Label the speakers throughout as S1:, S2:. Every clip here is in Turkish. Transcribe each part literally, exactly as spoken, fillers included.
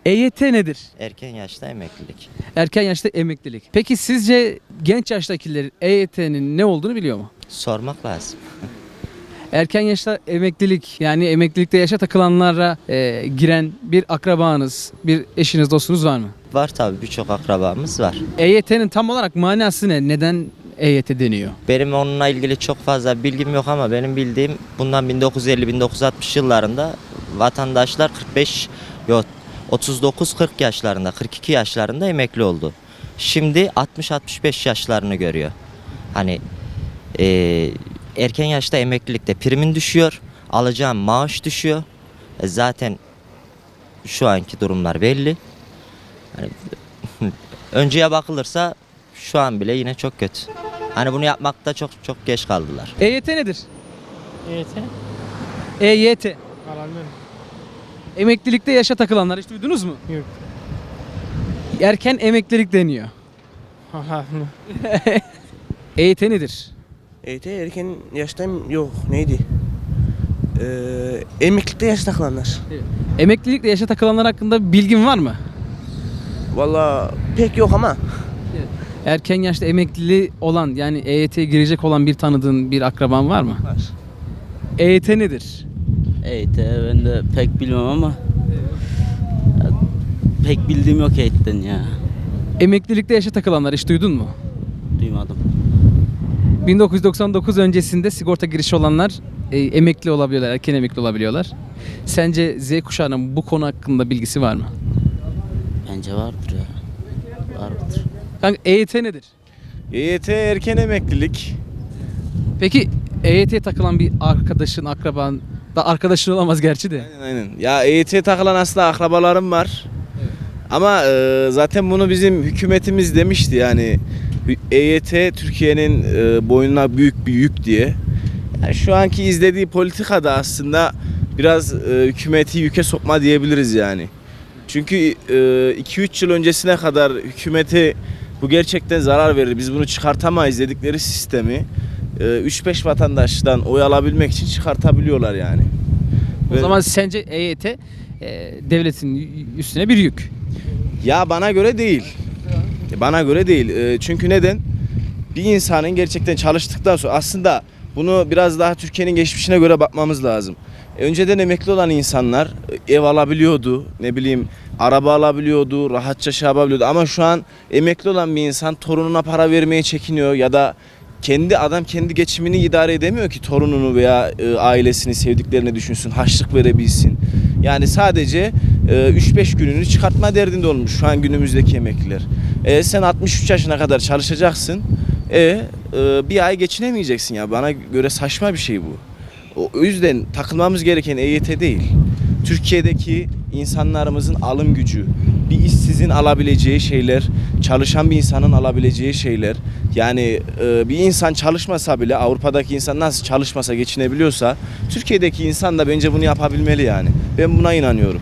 S1: E Y T nedir?
S2: Erken yaşta emeklilik.
S1: Erken yaşta emeklilik. Peki sizce genç yaştakiler E Y T'nin ne olduğunu biliyor mu?
S2: Sormak lazım.
S1: Erken yaşta emeklilik, yani emeklilikte yaşa takılanlara e, giren bir akrabanız, bir eşiniz, dostunuz var mı?
S2: Var tabii, birçok akrabamız var.
S1: E Y T'nin tam olarak manası ne? Neden E Y T deniyor?
S2: Benim onunla ilgili çok fazla bilgim yok ama benim bildiğim bundan bin dokuz yüz elli bin dokuz yüz altmış yıllarında vatandaşlar kırk beş yok otuz dokuz kırk yaşlarında, kırk iki yaşlarında emekli oldu. Şimdi altmış altmış beş yaşlarını görüyor. Hani e, erken yaşta emeklilikte primin düşüyor, alacağım maaş düşüyor. E, zaten şu anki durumlar belli. Hani, önceye bakılırsa şu an bile yine çok kötü. Hani bunu yapmakta çok çok geç kaldılar.
S1: E Y T nedir?
S3: E Y T?
S1: E Y T.
S3: Alanlar.
S1: Emeklilikte yaşa takılanlar hiç duydunuz mu?
S3: Yok.
S1: Erken emeklilik deniyor.
S3: Haha.
S1: E Y T nedir?
S4: E Y T erken yaştan yok neydi? Ee, emeklilikte yaş takılanlar.
S1: Emeklilikle yaşa takılanlar hakkında bilgin var mı?
S4: Valla pek yok ama
S1: Erken yaşta emekli olan, yani E Y T'ye girecek olan bir tanıdığın, bir akraban var mı?
S4: var.
S1: E Y T nedir?
S5: E Y T ben de pek bilmem ama ya, pek bildiğim yok E Y T'den ya.
S1: Emeklilikte yaşa takılanlar hiç duydun mu?
S5: Duymadım.
S1: bin dokuz yüz doksan dokuz öncesinde sigorta girişi olanlar e, emekli olabiliyorlar, erken emekli olabiliyorlar. Sence Z kuşağının bu konu hakkında bilgisi var mı?
S5: Bence vardır ya. Vardır.
S1: Kanka E Y T nedir?
S6: E Y T erken emeklilik.
S1: Peki E Y T'ye takılan bir arkadaşın, akraban da arkadaşın olamaz gerçi de.
S6: Aynen aynen. Ya E Y T'ye takılan aslında akrabalarım var. Ama e, zaten bunu bizim hükümetimiz demişti yani. E Y T Türkiye'nin e, boynuna büyük bir yük diye. Yani şu anki izlediği politika da aslında biraz e, hükümeti yüke sokma diyebiliriz yani. Çünkü iki üç yıl öncesine kadar hükümete bu gerçekten zarar verir. Biz bunu çıkartamayız dedikleri sistemi üç beş vatandaştan oy alabilmek için çıkartabiliyorlar yani.
S1: O
S6: Ve-
S1: zaman sence E Y T e, devletin üstüne bir yük.
S6: Ya bana göre değil. Bana göre değil. E, Çünkü neden? Bir insanın gerçekten çalıştıktan sonra aslında bunu biraz daha Türkiye'nin geçmişine göre bakmamız lazım. E, Önceden emekli olan insanlar ev alabiliyordu, ne bileyim araba alabiliyordu, rahatça şey yapabiliyordu. Ama şu an emekli olan bir insan torununa para vermeye çekiniyor ya da kendi adam kendi geçimini idare edemiyor ki torununu veya e, ailesini, sevdiklerini düşünsün, harçlık verebilsin. Yani sadece e, üç beş gününü çıkartma derdinde olmuş şu an günümüzdeki emekliler. E, sen altmış üç yaşına kadar çalışacaksın. E, e, bir ay geçinemeyeceksin ya. Bana göre saçma bir şey bu. O o yüzden takılmamız gereken E Y T değil. Türkiye'deki insanlarımızın alım gücü, bir işsizin alabileceği şeyler, çalışan bir insanın alabileceği şeyler. Yani e, bir insan çalışmasa bile Avrupa'daki insan nasıl çalışmasa geçinebiliyorsa Türkiye'deki insan da bence bunu yapabilmeli yani. Ben buna inanıyorum.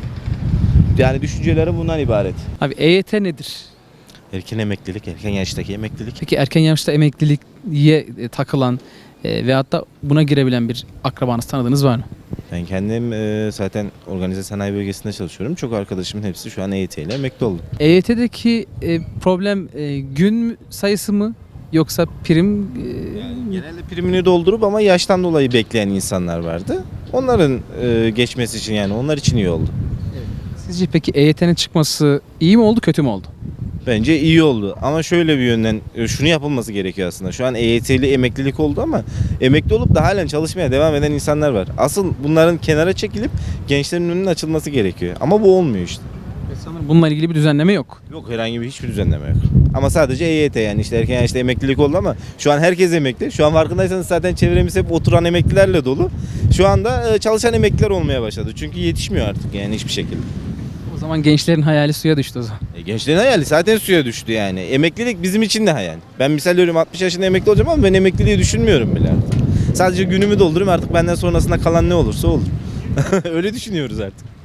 S6: Yani düşüncelerim bundan ibaret.
S1: Abi E Y T nedir?
S7: Erken emeklilik, erken yaştaki emeklilik.
S1: Peki erken yaşta emekliliğe e, takılan e, veyahut da buna girebilen bir akrabanız, tanıdığınız var mı?
S7: Ben kendim e, zaten organize sanayi bölgesinde çalışıyorum. Çok arkadaşımın hepsi şu an E Y T ile emekli oldu.
S1: E Y T'deki e, problem e, gün sayısı mı yoksa prim? e,
S7: Genelde primini doldurup ama yaştan dolayı bekleyen insanlar vardı. Onların e, geçmesi için, yani onlar için iyi oldu.
S1: Sizce peki E Y T'nin çıkması iyi mi oldu, kötü mü oldu?
S7: Bence iyi oldu ama şöyle bir yönden e, şunu yapılması gerekiyor aslında. Şu an E Y T'li emeklilik oldu ama emekli olup da halen çalışmaya devam eden insanlar var. Asıl bunların kenara çekilip gençlerin önünün açılması gerekiyor. Ama bu olmuyor işte.
S1: Sanırım bununla ilgili bir düzenleme yok.
S7: Yok, herhangi bir hiçbir düzenleme yok. Ama sadece E Y T, yani işte erken yaşta emeklilik oldu ama şu an herkes emekli. Şu an farkındaysanız zaten çevremiz hep oturan emeklilerle dolu. Şu anda e, çalışan emekliler olmaya başladı. Çünkü yetişmiyor artık yani hiçbir şekilde.
S1: O zaman gençlerin hayali suya düştü o zaman.
S7: E, gençlerin hayali zaten suya düştü yani. Emeklilik bizim için de hayal. Ben misal veriyorum altmış yaşında emekli olacağım ama ben emekliliği düşünmüyorum bile artık. Sadece günümü doldururum, artık benden sonrasında kalan ne olursa olur. Öyle düşünüyoruz artık.